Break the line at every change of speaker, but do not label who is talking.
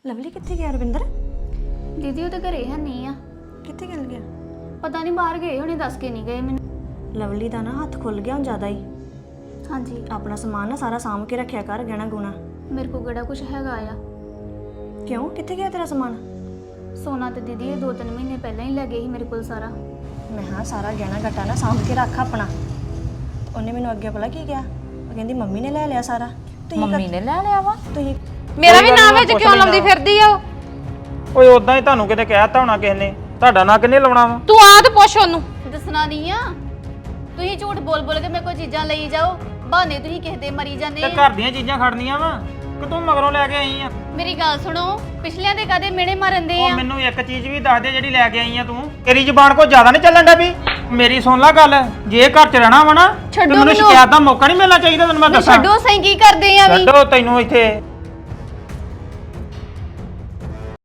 Lovely ਕਿੱਥੇ ਗਿਆ ਰਵਿੰਦਰ?
ਦੀਦੀ ਉਹ ਤਾਂ ਘਰੇ ਹੈ ਨਹੀਂ ਆ।
ਕਿੱਥੇ ਚਲ ਗਿਆ?
ਪਤਾ ਨਹੀਂ ਬਾਹਰ ਗਏ ਹੋਣੇ, ਦੱਸ ਕੇ ਨਹੀਂ ਗਏ ਮੈਨੂੰ।
ਲਵਲੀ ਦਾ ਨਾ ਹੱਥ ਖੁੱਲ ਗਿਆ ਹੁਣ ਜ਼ਿਆਦਾ ਹੀ।
ਹਾਂਜੀ
ਆਪਣਾ ਸਮਾਨ ਨਾ ਸਾਰਾ ਸਾਂਭ ਕੇ ਰੱਖਿਆ ਕਰ, ਗਹਿਣਾ ਗੁਣਾ।
ਮੇਰੇ ਕੋਲ ਕਿਹੜਾ ਕੁਝ ਹੈਗਾ ਆ।
ਕਿਉਂ, ਕਿੱਥੇ ਗਿਆ ਤੇਰਾ ਸਮਾਨ?
ਸੋਨਾ ਤੇ ਦੀਦੀ ਇਹ 2-3 ਮਹੀਨੇ ਪਹਿਲਾਂ ਹੀ ਲੈ ਗਏ ਸੀ ਮੇਰੇ ਕੋਲ ਸਾਰਾ।
ਮੈਂ ਹਾਂ ਸਾਰਾ ਗਹਿਣਾ ਗੱਟਾ ਨਾ ਸਾਂਭ ਕੇ ਰੱਖ ਆਪਣਾ। ਉਹਨੇ ਮੈਨੂੰ ਅੱਗੇ ਭਲਾ ਕੀ ਕਿਹਾ? ਉਹ ਕਹਿੰਦੀ ਮੰਮੀ ਨੇ ਲੈ ਲਿਆ ਸਾਰਾ।
ਮੰਮੀ ਨੇ ਲੈ ਲਿਆ ਵਾ।
ਤੁਸੀਂ
ਮੇਰਾ ਵੀ ਨਾਮ ਵਿੱਚ ਕਿਉਂ ਲਾਉਂਦੀ ਫਿਰਦੀ ਆ?
ਓਏ ਉਦਾਂ ਹੀ ਤੁਹਾਨੂੰ ਕਿਤੇ ਕਹਿਤਾ ਹੋਣਾ ਕਿਸੇ ਨੇ, ਤੁਹਾਡਾ ਨਾਂ ਕਿੰਨੇ ਲਾਉਣਾ ਵਾ?
ਤੂੰ ਆ ਤੇ ਪੁੱਛ ਉਹਨੂੰ।
ਦੱਸਣਾ ਨਹੀਂ ਆ। ਤੁਸੀਂ ਝੂਠ ਬੋਲ ਬੋਲ ਕੇ ਮੇਰੇ ਕੋਲ ਚੀਜ਼ਾਂ ਲਈ ਜਾਓ, ਬਹਾਨੇ ਤੁਸੀਂ ਕਿਸੇ ਤੇ ਮਰੀ ਜਾਂਦੇ
ਤੇ ਘਰ ਦੀਆਂ ਚੀਜ਼ਾਂ ਖੜਨੀਆਂ ਵਾ ਕਿ ਤੂੰ ਮਗਰੋਂ ਲੈ ਕੇ ਆਈ ਆ?
ਮੇਰੀ ਗੱਲ ਸੁਣੋ, ਪਿਛਲਿਆਂ ਦੇ ਕਾਦੇ ਮਿਹਣੇ ਮਾਰਨ ਦੇ
ਉਹ
ਆ।
ਮੈਨੂੰ ਇੱਕ ਚੀਜ਼ ਵੀ ਦੱਸ ਦੇ ਜਿਹੜੀ ਲੈ ਕੇ ਆਈ ਆ ਤੂੰ। ਤੇਰੀ ਜ਼ੁਬਾਨ ਕੋ ਜ਼ਿਆਦਾ ਨਹੀਂ ਚੱਲਣ ਡਿਆ ਵੀ? ਮੇਰੀ ਸੁਣ ਲੈ ਗੱਲ, ਜੇ ਘਰ 'ਚ ਰਹਿਣਾ ਵਾ ਨਾ ਤੇ
ਛੱਡੋ
ਮੈਨੂੰ
ਮੈਨੂੰ।
ਸ਼ਿਕਾਇਤ ਦਾ ਮੌਕਾ ਨਹੀਂ ਮਿਲਣਾ ਚਾਹੀਦਾ, ਤੈਨੂੰ ਮੈਂ ਦੱਸਾਂ।
ਛੱਡੋ ਸਹੀ, ਕੀ ਕਰਦੇ ਆ ਵੀ?
ਛੱਡੋ ਤੈਨੂੰ ਇੱਥੇ